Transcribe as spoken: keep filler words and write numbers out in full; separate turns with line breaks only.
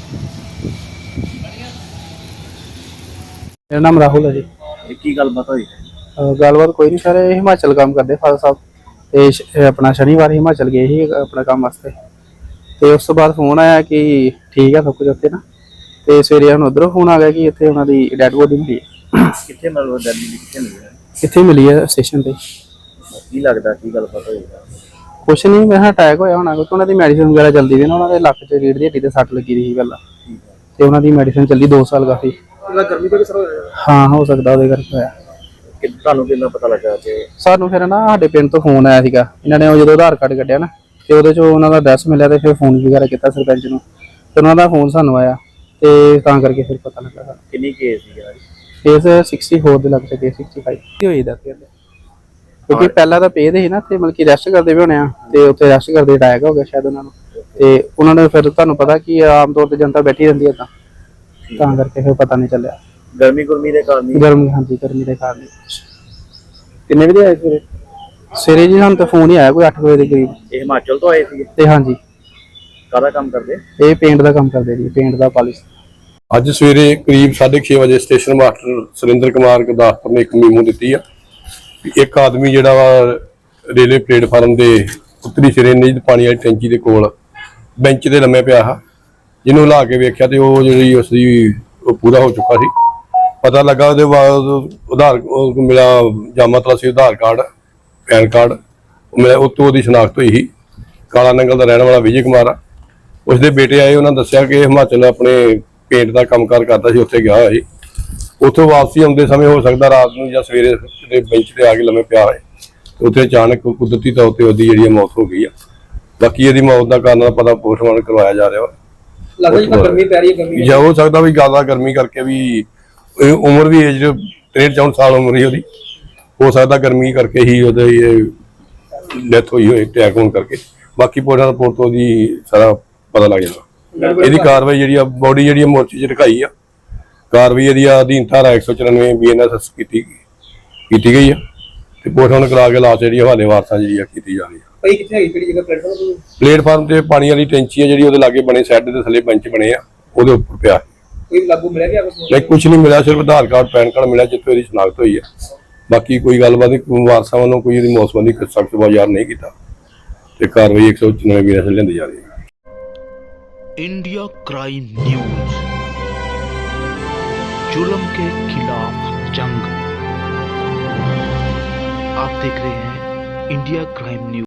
मेरा नाम राहुल है जी।
ਇਹ ਕੀ ਗੱਲਬਾਤ ਹੋਈ?
ਅਹ ਗੱਲਬਾਤ ਕੋਈ ਨਹੀਂ ਸਰ, ਇਹ ਹਿਮਾਚਲ ਕੰਮ ਕਰਦੇ ਫਾਦਰ ਸਾਹਿਬ ਤੇ ਸ਼- ਇਹ ਆਪਣਾ ਸ਼ਨੀਵਾਰ ਹਿਮਾਚਲ ਗਏ ਸੀ ਆਪਣਾ ਕੰਮ ਵਾਸਤੇ। ਤੇ ਉਸ ਤੋਂ ਬਾਅਦ ਫੋਨ ਆਇਆ ਕਿ ਠੀਕ ਹੈ ਸਭ ਕੁਝ ਉੱਥੇ ਨਾ। ਤੇ ਸਵੇਰੇ ਹੁਣ ਉੱਧਰੋਂ ਫੋਨ ਆ ਗਿਆ ਕਿ ਇੱਥੇ ਉਹਨਾਂ ਦੀ ਡੈਡ ਬੋਡੀ ਮਿਲੀ ਹੈ।
ਕਿੱਥੇ ਮਤਲਬ ਦਿੱਲੀ ਦੀ ਕਿੱਥੇ ਮਿਲੀ ਹੈ?
ਕਿੱਥੇ ਮਿਲੀ ਹੈ? ਸਟੇਸ਼ਨ ਤੇ।
ਕੀ ਲੱਗਦਾ ਕੀ ਗੱਲਬਾਤ ਹੋਈ?
ਕੁਛ ਨਹੀਂ, ਮੈਂ ਕਿਹਾ ਅਟੈਕ ਹੋਇਆ ਹੋਣਾ ਕਿਉਂਕਿ ਉਹਨਾਂ ਦੀ ਮੈਡੀਸਿਨ ਵਗੈਰਾ ਚੱਲਦੀ ਵੀ ਨਾ। ਉਹਨਾਂ ਦੇ ਲੱਕ 'ਚ ਰੀੜ੍ਹ ਦੀ ਹੱਡੀ ਤੇ ਸੱਟ ਲੱਗੀ ਰਹੀ ਪਹਿਲਾਂ, ਤੇ ਉਹਨਾਂ ਦੀ ਮੈਡੀਸਿਨ ਚੱਲੀ ਦੋ ਸਾਲ ਕਾਫੀ।
ਗਰਮੀ ਤੋਂ ਕਿਸ ਤਰ੍ਹਾਂ ਹੋਇਆ?
ਹਾਂ, ਹੋ ਸਕਦਾ ਉਹਦੇ ਕਰਕੇ ਹੋਇਆ।
ਕਿ ਤੁਹਾਨੂੰ ਕਿੰਨਾ ਪਤਾ ਲੱਗਾ ਕਿ
ਸਾਨੂੰ ਫਿਰ ਨਾ ਸਾਡੇ ਪਿੰਡ ਤੋਂ ਫੋਨ ਆਇਆ ਸੀਗਾ। ਇਹਨਾਂ ਨੇ ਉਹ ਜਦੋਂ ਆਧਾਰ ਕਾਰਡ ਕੱਢਿਆ ਨਾ ਤੇ ਉਹਦੇ 'ਚ ਉਹਨਾਂ ਦਾ ਐਡਰੈਸ ਮਿਲਿਆ ਤੇ ਫਿਰ ਫੋਨ ਵਗੈਰਾ ਕੀਤਾ ਸਰਪੰਚ ਨੂੰ, ਤੇ ਉਹਨਾਂ ਦਾ ਫੋਨ ਸਾਨੂੰ ਆਇਆ ਤੇ ਤਾਂ ਕਰਕੇ ਫਿਰ ਪਤਾ ਲੱਗਾ ਸਾਨੂੰ।
ਕਿੰਨੀ ਕੇਸ ਸੀ ਯਾਰ?
ਕੇਸ ਚੌਂਸਠ ਦੇ ਲੱਗ ਚੁੱਕੇ, ਪੈਂਸਠ ਕੀ ਹੋਈ ਦਾ ਫਿਰ ਕਿਉਂਕਿ ਪਹਿਲਾਂ ਤਾਂ ਪੇਦ ਸੀ ਨਾ ਤੇ ਮਤਲਬ ਕਿ ਰੈਸਟ ਕਰਦੇ ਵੀ ਹੋਣੇ ਆ, ਤੇ ਉੱਥੇ ਰੈਸਟ ਕਰਦੇ ਅਟੈਕ ਹੋ ਗਿਆ ਸ਼ਾਇਦ ਉਹਨਾਂ ਨੂੰ। ਤੇ ਉਹਨਾਂ ਨੇ ਫਿਰ ਤੁਹਾਨੂੰ ਪਤਾ ਕਿ ਆਮ ਤੌਰ ਤੇ ਜਨਤਾ ਬੈਠੀ ਰਹਿੰਦੀ ਹੈ ਤਾਂ ਤਾਂ ਕਰਕੇ ਫਿਰ ਪਤਾ ਨਹੀਂ ਚੱਲਿਆ।
ਗਰਮੀ ਗੁਰਮੀ ਦੇ ਕਾਰਨ ਹੀ?
ਗਰਮੀ, ਹਾਂਜੀ ਗਰਮੀ ਦੇ ਕਾਰਨ।
ਕਿੰਨੇ ਵਜੇ ਆਏ ਸਵੇਰੇ?
ਸਵੇਰੇ ਜੀ ਸਾਨੂੰ ਤਾਂ ਫੋਨ ਹੀ ਆਇਆ ਕੋਈ ਅੱਠ ਵਜੇ ਦੇ ਕਰੀਬ।
ਇਹ ਹਿਮਾਚਲ ਤੋਂ ਆਏ ਸੀ?
ਤੇ ਹਾਂਜੀ,
ਕਾਹਦਾ ਕੰਮ ਕਰਦੇ?
ਇਹ ਪੇਂਟ ਦਾ ਕੰਮ ਕਰਦੇ ਜੀ, ਪੇਂਟ ਦਾ ਪਾਲਿਸ਼।
ਅੱਜ ਸਵੇਰੇ ਕਰੀਬ ਸਾਢੇ ਛੇ ਵਜੇ ਸਟੇਸ਼ਨ ਮਾਸਟਰ ਸੁਰਿੰਦਰ ਕੁਮਾਰ ਗੁਰਦਾਸਪੁਰ ਨੇ ਇੱਕ ਮੀਮੋ ਦਿੱਤੀ ਆ ਵੀ ਇੱਕ ਆਦਮੀ ਜਿਹੜਾ ਵਾ ਰੇਲਵੇ ਪਲੇਟਫਾਰਮ ਦੇ ਉੱਤਰੀ ਸਿਰੇ ਨੀਂਦ ਪਾਣੀ ਵਾਲੀ ਟੈਂਕੀ ਦੇ ਕੋਲ ਬੈਂਚ ਤੇ ਲੰਮੇ ਪਿਆ ਆ। ਜਿਹਨੂੰ ਹਿਲਾ ਕੇ ਵੇਖਿਆ ਤੇ ਉਹ ਜਿਹੜੀ ਉਸਦੀ ਉਹ ਪੂਰਾ ਹੋ ਚੁੱਕਾ ਸੀ। ਪਤਾ ਲੱਗਾ ਉਹਦੇ ਬਾਅਦ ਆਧਾਰ ਉਹ ਮਿਲਿਆ ਜਾਮਾ ਤਲਾਸੀ ਆਧਾਰ ਕਾਰਡ, ਪੈਨ ਕਾਰਡ ਮਿਲਿਆ। ਉਹ ਤੋਂ ਉਹਦੀ ਸ਼ਨਾਖਤ ਹੋਈ ਸੀ। ਕਾਲਾ ਨੰਗਲ ਦਾ ਰਹਿਣ ਵਾਲਾ ਵਿਜੇ ਕੁਮਾਰ ਆ। ਉਸਦੇ ਬੇਟੇ ਆਏ, ਉਹਨਾਂ ਦੱਸਿਆ ਕਿ ਹਿਮਾਚਲ ਆਪਣੇ ਪੇਂਟ ਦਾ ਕੰਮਕਾਰ ਕਰਦਾ ਸੀ, ਉੱਥੇ ਗਿਆ ਹੋਇਆ ਸੀ। ਉੱਥੋਂ ਵਾਪਸੀ ਆਉਂਦੇ ਸਮੇਂ ਹੋ ਸਕਦਾ ਰਾਤ ਨੂੰ ਜਾਂ ਸਵੇਰੇ ਕਿਤੇ ਬੈਂਚ ਤੇ ਆ ਕੇ ਲੰਮੇ ਪਿਆ ਹੋਏ, ਉੱਥੇ ਅਚਾਨਕ ਕੁਦਰਤੀ ਤੌਰ ਤੇ ਉਹਦੀ ਜਿਹੜੀ ਮੌਤ ਹੋ ਗਈ ਆ। ਬਾਕੀ ਇਹਦੀ ਮੌਤ ਦਾ ਕਾਰਨ ਦਾ ਪਤਾ ਪੋਸਟਮਾਰਟਮ ਕਰਵਾਇਆ ਜਾ ਰਿਹਾ ਵਾ।
ਲੱਗਦਾ ਜਿਵੇਂ ਗਰਮੀ ਪੈ ਰਹੀ ਹੈ। ਗਰਮੀ
ਜਾਂ ਹੋ ਸਕਦਾ ਵੀ ਜ਼ਿਆਦਾ ਗਰਮੀ ਕਰਕੇ ਵੀ ਇਹ ਉਮਰ ਵੀ ਏਜ ਤ੍ਰੇਹਠ ਚੌਂਹਠ ਸਾਲ ਉਮਰ ਹੀ ਉਹਦੀ, ਹੋ ਸਕਦਾ ਗਰਮੀ ਕਰਕੇ ਹੀ ਉਹਦੇ ਇਹ ਡੈਥ ਹੋਈ ਹੋਏ ਅਟੈਕ ਹੋਣ ਕਰਕੇ। ਬਾਕੀ ਪੋਸਟਮਾਰਟਮ ਰਿਪੋਰਟ ਤੋਂ ਉਹਦੀ ਸਾਰਾ ਪਤਾ ਲੱਗ ਜਾਣਾ। ਇਹਦੀ ਕਾਰਵਾਈ ਜਿਹੜੀ ਆ ਬੋਡੀ ਜਿਹੜੀ ਮੋਰਚੇ 'ਚ ਰਖਾਈ ਆ। ਕਾਰਵਾਈ ਇਹਦੀ ਅਧੀਨ ਧਾਰਾ ਇੱਕ ਸੌ ਚੁਰਾਨਵੇਂ ਬੀ ਐਨ ਐਸ ਐਸ ਕੀਤੀ ਕੀਤੀ ਗਈ ਆ ਤੇ ਪੋਸਟਮਾਰਟਮ ਕਰਾ ਕੇ ਲਾਸ਼ ਜਿਹੜੀ ਹਵਾਲੇ ਵਾਰਸਾਂ ਜਿਹੜੀ ਆ ਕੀਤੀ ਜਾ ਰਹੀ ਆ।
ਭਾਈ ਕਿੱਥੇ ਹੈਗੀ ਕਿਹੜੀ ਜਗ੍ਹਾ? ਪਲੇਟਫਾਰਮ
ਪਲੇਟਫਾਰਮ ਤੇ ਪਾਣੀ ਵਾਲੀ ਟੈਂਕੀ ਆ ਜਿਹੜੀ ਉਹਦੇ ਲਾਗੇ ਬਣੇ, ਸੈੱਡ ਦੇ ਥੱਲੇ ਬੈਂਚ ਬਣੇ ਆ, ਉਹਦੇ ਉੱਪਰ ਪਿਆ।
ਕੋਈ ਲਾਗੂ ਮਿਲਿਆ ਗਿਆ?
ਨਹੀਂ, ਕੁਝ ਨਹੀਂ ਮਿਲਿਆ, ਸਿਰਫ ਆਧਾਰ ਕਾਰਡ ਪੈਨ ਕਾਰਡ ਮਿਲਿਆ ਜਿੱਥੋਂ ਇਹਦੀ ਸ਼ਨਾਖਤ ਹੋਈ ਆ। ਬਾਕੀ ਕੋਈ ਗੱਲਬਾਤ ਨਹੀਂ, ਵਾਰਸਾਂ ਵੱਲੋਂ ਕੋਈ ਇਹਦੀ ਮੌਤ ਸੰਬੰਧੀ ਸਖਤ ਬਾਜ਼ਾਰ ਨਹੀਂ ਕੀਤਾ ਤੇ ਕਾਰਵਾਈ ਇੱਕ ਸੌ ਚੁਰਾਨਵੇਂ ਬੀ ਐਨ ਐਸ ਐਸ ਲੈਂਦੀ ਜਾ ਰਹੀ ਹੈ।
इंडिया क्राइम न्यूज, जुल्म के खिलाफ जंग। आप देख रहे हैं इंडिया क्राइम न्यूज।